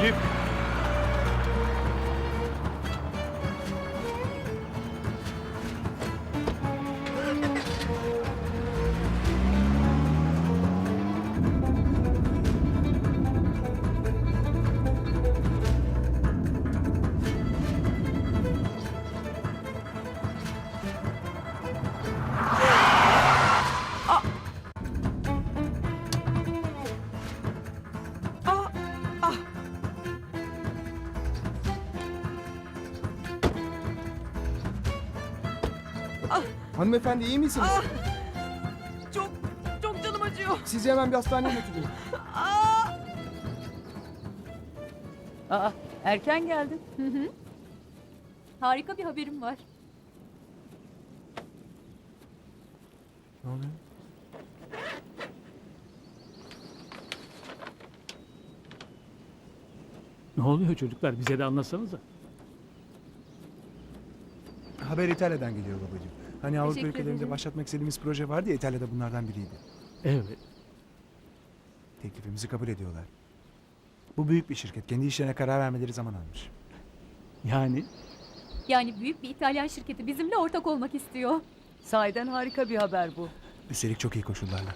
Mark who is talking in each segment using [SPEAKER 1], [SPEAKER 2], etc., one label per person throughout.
[SPEAKER 1] Elif.
[SPEAKER 2] Hanımefendi iyi misiniz?
[SPEAKER 3] Çok çok canım acıyor.
[SPEAKER 2] Sizi hemen bir hastaneye götüreyim.
[SPEAKER 4] Aa, erken geldin.
[SPEAKER 5] Harika bir haberim var.
[SPEAKER 2] Ne oluyor?
[SPEAKER 1] Ne oluyor çocuklar? Bize de anlatsanıza.
[SPEAKER 2] Haber İtalya'dan geliyor babacığım. Hani Avrupa
[SPEAKER 5] Teşekkür
[SPEAKER 2] ülkelerinde
[SPEAKER 5] ederim.
[SPEAKER 2] başlatmak istediğimiz proje vardı ya, İtalya'da bunlardan biriydi.
[SPEAKER 1] Evet.
[SPEAKER 2] Teklifimizi kabul ediyorlar. Bu büyük bir şirket. Kendi işlerine karar vermeleri zaman almış.
[SPEAKER 5] Yani büyük bir İtalyan şirketi bizimle ortak olmak istiyor.
[SPEAKER 4] Sahiden harika bir haber bu.
[SPEAKER 2] Üstelik çok iyi koşullarla.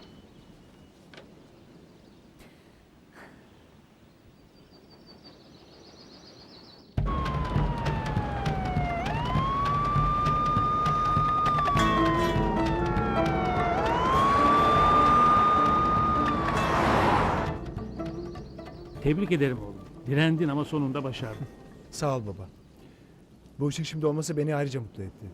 [SPEAKER 1] Tebrik ederim oğlum. Direndin ama sonunda başardın.
[SPEAKER 2] Sağ ol baba. Bu işin şimdi olması beni ayrıca mutlu etti.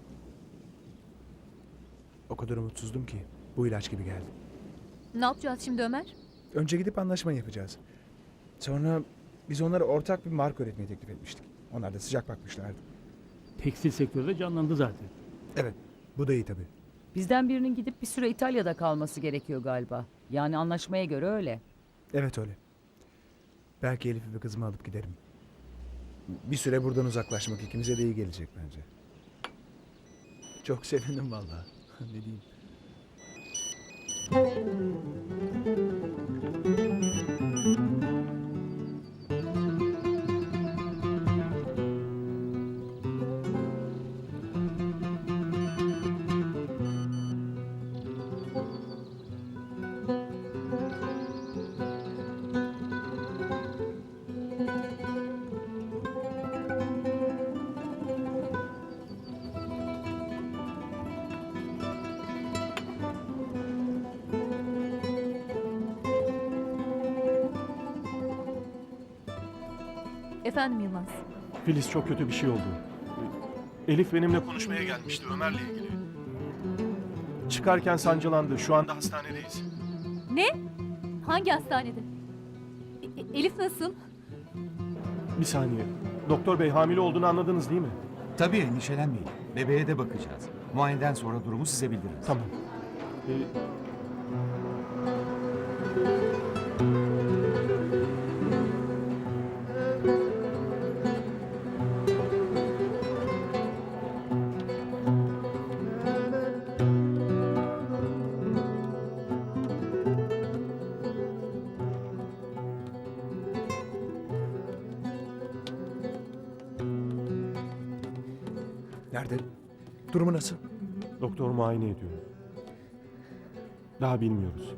[SPEAKER 2] O kadar umutsuzdum ki bu ilaç gibi geldi.
[SPEAKER 5] Ne yapacağız şimdi Ömer?
[SPEAKER 2] Önce gidip anlaşma yapacağız. Sonra biz onlara ortak bir marka üretmeyi teklif etmiştik. Onlar da sıcak bakmışlardı.
[SPEAKER 1] Tekstil sektörü de canlandı zaten.
[SPEAKER 2] Evet, bu da iyi tabii.
[SPEAKER 4] Bizden birinin gidip bir süre İtalya'da kalması gerekiyor galiba. Yani anlaşmaya göre öyle.
[SPEAKER 2] Evet öyle. Belki Elif'i ve kızımı alıp giderim. Bir süre buradan uzaklaşmak ikimize de iyi gelecek bence. Çok sevindim vallahi. Ne diyeyim?
[SPEAKER 5] Efendim Yılmaz.
[SPEAKER 6] Filiz, çok kötü bir şey oldu. Elif benimle konuşmaya gelmişti Ömer'le ilgili. Çıkarken sancılandı. Şu anda hastanedeyiz.
[SPEAKER 5] Ne? Hangi hastanede? Elif nasıl?
[SPEAKER 6] Bir saniye. Doktor bey, hamile olduğunu anladınız değil mi?
[SPEAKER 7] Tabii, endişelenmeyin. Bebeğe de bakacağız. Muayeneden sonra durumu size bildiririz.
[SPEAKER 6] Tamam.
[SPEAKER 2] Nerede? Durumu nasıl?
[SPEAKER 6] Doktor muayene ediyor. Daha bilmiyoruz.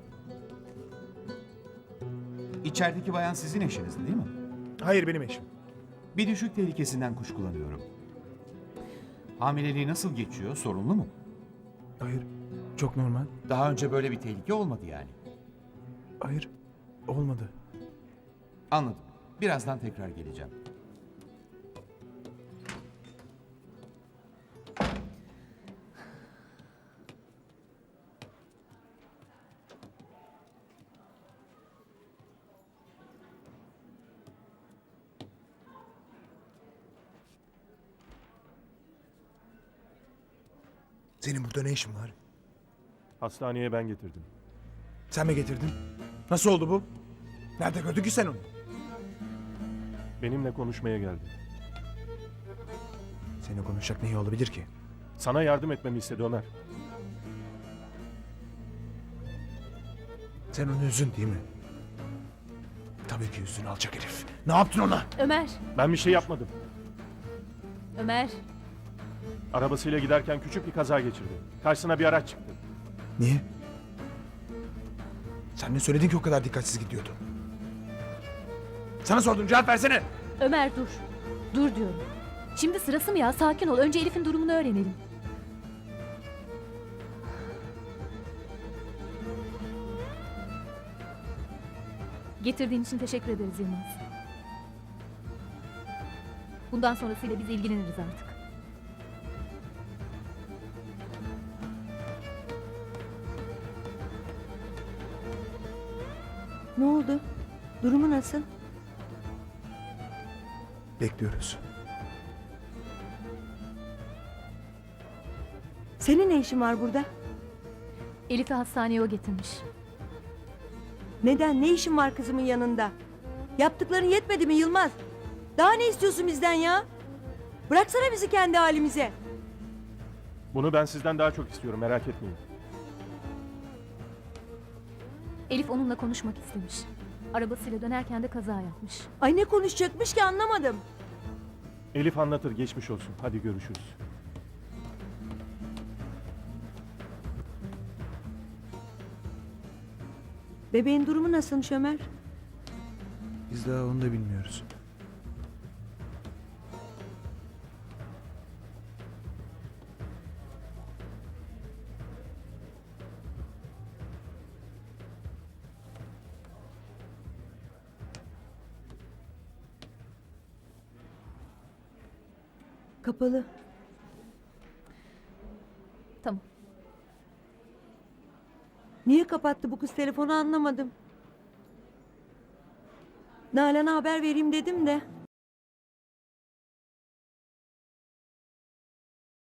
[SPEAKER 7] İçerideki bayan sizin eşiniz değil mi?
[SPEAKER 2] Hayır, benim eşim.
[SPEAKER 7] Bir düşük tehlikesinden kuşkulanıyorum. Hamileliği nasıl geçiyor? Sorunlu mu?
[SPEAKER 2] Hayır, çok normal.
[SPEAKER 7] Daha önce böyle bir tehlike olmadı yani.
[SPEAKER 2] Hayır, olmadı.
[SPEAKER 7] Anladım. Birazdan tekrar geleceğim.
[SPEAKER 2] Senin burada ne işin var?
[SPEAKER 6] Hastaneye ben getirdim.
[SPEAKER 2] Sen mi getirdin? Nasıl oldu bu? Nerede gördün ki sen onu?
[SPEAKER 6] Benimle konuşmaya geldi.
[SPEAKER 2] Seninle konuşacak neyi olabilir ki?
[SPEAKER 6] Sana yardım etmemi istedi Ömer.
[SPEAKER 2] Sen onu üzdün değil mi? Tabii ki üstüne alacak herif. Ne yaptın ona?
[SPEAKER 5] Ömer,
[SPEAKER 6] Ben bir şey yapmadım.
[SPEAKER 5] Ömer.
[SPEAKER 6] Arabasıyla giderken küçük bir kaza geçirdi. Karşısına bir araç çıktı.
[SPEAKER 2] Niye? Sen ne söyledin ki o kadar dikkatsiz gidiyordu? Sana sordum, cevap versene.
[SPEAKER 5] Ömer dur. Dur diyorum. Şimdi sırası mı ya? Sakin ol. Önce Elif'in durumunu öğrenelim. Getirdiğin için teşekkür ederiz Yılmaz. Bundan sonrasıyla biz ilgileniriz artık.
[SPEAKER 8] Ne oldu? Durumu nasıl?
[SPEAKER 2] Bekliyoruz.
[SPEAKER 8] Senin ne işin var burada?
[SPEAKER 5] Elif'i hastaneye o getirmiş.
[SPEAKER 8] Neden? Ne işin var kızımın yanında? Yaptıkların yetmedi mi Yılmaz? Daha ne istiyorsun bizden ya? Bıraksana bizi kendi halimize.
[SPEAKER 6] Bunu ben sizden daha çok istiyorum, merak etmeyin.
[SPEAKER 5] Elif onunla konuşmak istemiş. Arabasıyla dönerken de kaza yapmış.
[SPEAKER 8] Ay ne konuşacakmış ki anlamadım.
[SPEAKER 6] Elif anlatır, geçmiş olsun. Hadi görüşürüz.
[SPEAKER 8] Bebeğin durumu nasılmış Ömer?
[SPEAKER 2] Biz daha onu da bilmiyoruz.
[SPEAKER 8] Kapalı.
[SPEAKER 5] Tamam.
[SPEAKER 8] Niye kapattı bu kız telefonu anlamadım. Nalan'a haber vereyim dedim de.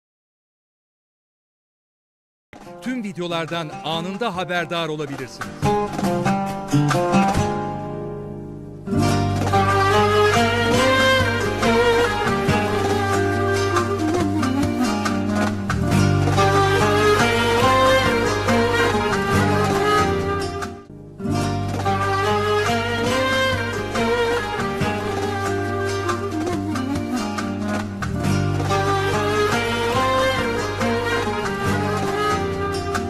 [SPEAKER 9] Tüm videolardan anında haberdar olabilirsiniz.